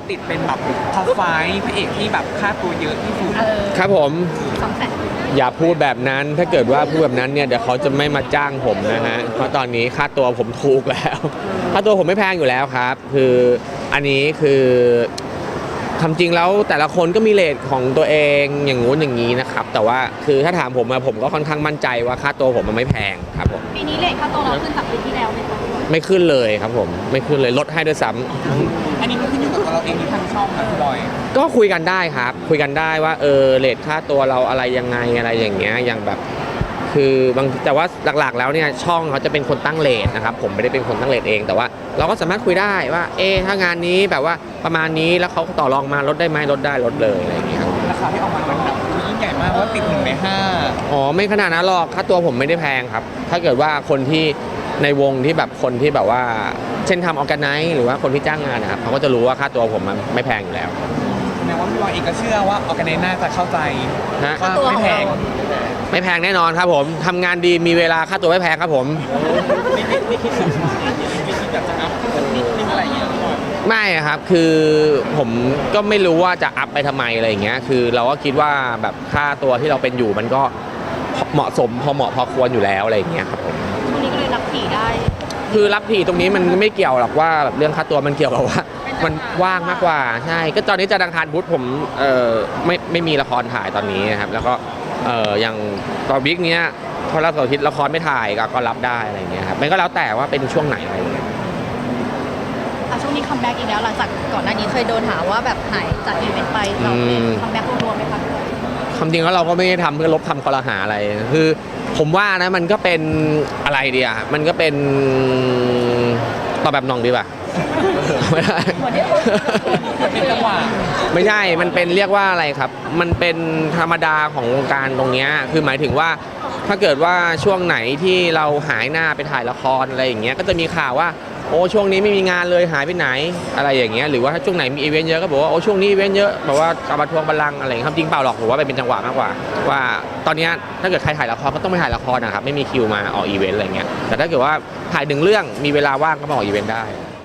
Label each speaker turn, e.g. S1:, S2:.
S1: ติดเป็นแบบท็อปไฟว์พระเอกที่แบบค่าตัวเยอะที่สุด
S2: ครับผม
S3: 200,000
S2: อย่าพูดแบบนั้นถ้าเกิดว่าพูดแบบนั้นเนี่ยเดี๋ยวเขาจะไม่มาจ้างผมนะฮะเพราะตอนนี้ค่าตัวผมถูกแล้วค่าตัวผมไม่แพงอยู่แล้วครับคืออันนี้คือทำจริงแล้วแต่ละคนก็มีเรทของตัวเองอย่างงู้นอย่างนี้นะครับแต่ว่าคือถ้าถามผมผมก็ค่อนข้างมั่นใจว่าค่าตัวผมมันไม่แพงครับผม
S3: ปีนี้เลทค่าตัวเราขึ้นจากปีที่แล้วไหมคะ
S2: ไม่ขึ้นเลยครับผมไม่ขึ้นเลยลดให้ด้วยซ้ำ
S1: อันนี้มันขึ้นอยู่กับตัวเราเองที่ทางช่องนะพี่บอย
S2: ก็คุยกันได้ครับคุยกันได้ว่าเรทค่าตัวเราอะไรยังไงอะไรอย่างเงี้ยอย่างแบบคือบางแต่ว่าหลักๆแล้วเนี่ยช่องเขาจะเป็นคนตั้งเรทนะครับผมไม่ได้เป็นคนตั้งเรทเองแต่ว่าเราก็สามารถคุยได้ว่าถ้างานนี้แบบว่าประมาณนี้แล้วเขาต่อรองมาลดได้ไหมลดได้ลดเลยอะไรอย่างเงี้ยครับ
S1: ราคาที่ออกมามันแบบยิ่งใหญ่มากว่าติด1 ใน 5
S2: อ๋อไม่ขนาดนั้นหรอกค่าตัวผมไม่ได้แพงครับถ้าเกิดว่าคนที่ในวงที่แบบคนที่แบบว่าเช่นทำออร์แกไนซ์หรือว่าคนที่จ้างงานนะครับเขาก็จะรู้ว่าค่าตัวผมมันไม่แพงอยู่แล้ว
S1: แสดงว่าพี่บอยเองก็เชื่อว่าออร์แกไนซ์น่าจะเข้าใจว่าไม่แพง
S2: ไม่แพงแน่นอนครับผมทำงานดีมีเวลาค่าตัวไม่แพงครับผม
S1: ไม่คิดแบบจะอัพนิดนึงอะไรอย่างเงี้ย
S2: ไม่ครับคือผมก็ไม่รู้ว่าจะอัพไปทำไมอะไรอย่างเงี้ยคือเราก็คิดว่าแบบค่าตัวที่เราเป็นอยู่มันก็เหมาะสมพอเหมาะพอควรอยู่แล้วอะไรอย่างเงี้ยครับผม
S3: ช่วงนี้ก็เลยรับผีได้
S2: คือรับผีตรงนี้มันไม่เกี่ยวหรอกว่าแบบเรื่องค่าตัวมันเกี่ยวกับว่ามันว่างมากกว่าใช่ก็ตอนนี้จะดังคารพุธผมไม่มีละครถ่ายตอนนี้นะครับแล้วก็อย่างตอนวิกเนี้ยพอเราเสาร์อาทิตย์ละครไม่ถ่ายก็รับได้อะไรอย่างเงี้ยครับมันก็แล้วแต่ว่าเป็นช่วงไหนอะไรอย่างเงี้ย
S3: ช่วงนี้คัมแบ็กอีกแล้วหลังจากก่อนหน้านี้เคยโดนหาว่าแบบหายจากอีเวนต์ไปเราคัมแบ็กรวมๆไหมคะ
S2: ความจริงแล้วเราก็ไม่ได้ทำเพื่อลบคำคอรหาอะไรคือผมว่านะมันก็เป็นอะไรดีอ่ะมันก็เป็นตอบแบบน้องดีป่ะไม่ได้
S1: เป็นจังหวะ
S2: ไม่ใช่มันเป็นเรียกว่าอะไรครับมันเป็นธรรมดาของวงการตรงนี้คือหมายถึงว่าถ้าเกิดว่าช่วงไหนที่เราหายหน้าไปถ่ายละครอะไรอย่างเงี้ยก็จะมีข่าวว่าโอ้ช่วงนี้ไม่มีงานเลยหายไปไหนอะไรอย่างเงี้ยหรือว่าถ้าช่วงไหนมีอีเวนต์เยอะก็บอกว่าโอ้ช่วงนี้อีเวนต์เยอะแบบว่ากลับมาทวงบัลลังก์อะไรครับจริงเปล่าหรอกผมว่าเป็นจังหวะมากกว่าว่าตอนนี้ถ้าเกิดใครถ่ายละครก็ต้องไปถ่ายละครนะครับไม่มีคิวมาออกอีเวนต์อะไรเงี้ยแต่ถ้าเกิดว่าถ่าย1 เรื่องมีเวลาว่างก็มาออกอีเวนต์ได้